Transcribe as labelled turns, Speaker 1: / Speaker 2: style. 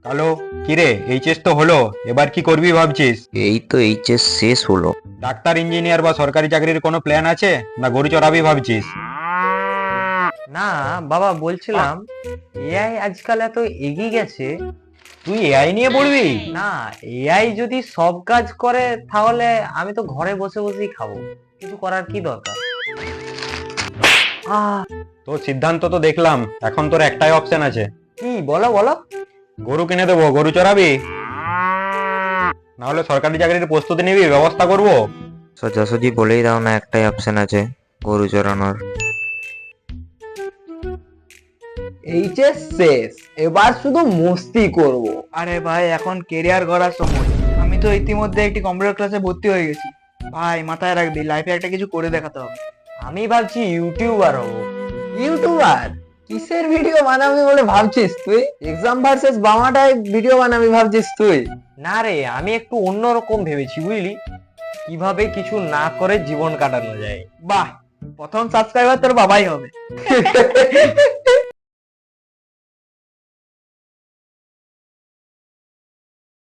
Speaker 1: Hello, কিরে HS তো হলো, এবার কি করবি ভাবছিস?
Speaker 2: এই তো এইচএস শেষ হলো।
Speaker 1: ডাক্তার, ইঞ্জিনিয়ার বা সরকারি চাকরির কোনো প্ল্যান আছে, না গরু চড়াবি ভাবছিস?
Speaker 3: না বাবা, বলছিলাম এআই আজকাল এত এগিয়ে গেছে।
Speaker 1: তুই এআই নিয়ে পড়বি?
Speaker 3: না, এআই যদি সব কাজ করে তাহলে আমি তো ঘরে বসে বসেই খাবো, কিছু করার কি দরকার? আহ
Speaker 1: তোর সিদ্ধান্ত তো দেখলাম, এখন তোর একটাই অপশন আছে।
Speaker 3: কি বলো বলো।
Speaker 1: গরু কিনে দেবো, গরু চড়াবি, না হলে সরকারি চাকরির প্রস্তুতি নিবি, ব্যবস্থা করব।
Speaker 2: সোজাসুজি বলেই দাও না, একটাই অপশন আছে, গরু চড়ানোর।
Speaker 4: এইচএস শেষ, এবার শুধু মস্তি করব।
Speaker 5: আরে ভাই, এখন কেরিয়ার গড়ার সময়। আমি তো ইতিমধ্যে একটি কম্পিউটার ক্লাসে ভর্তি হয়ে গেছি। ভাই মাথায় রাখবি, লাইফে একটা কিছু করে দেখাতে হবে।
Speaker 3: আমি ভাবছি ইউটিউবার হবো।
Speaker 4: ইউটিউবার? কিসের ভিডিও বানাবি বলে ভাবছিস তুই? এক্সাম ভার্সেস বামাটায় ভিডিও বানাবি ভাবছিস তুই?
Speaker 3: না রে, আমি একটু অন্যরকম ভেবেছি বুঝলি, কিভাবে কিছু না করে জীবন কাটানো যায়।
Speaker 5: বাহ, প্রথম সাবস্ক্রাইবার তোর বাবাই হবে।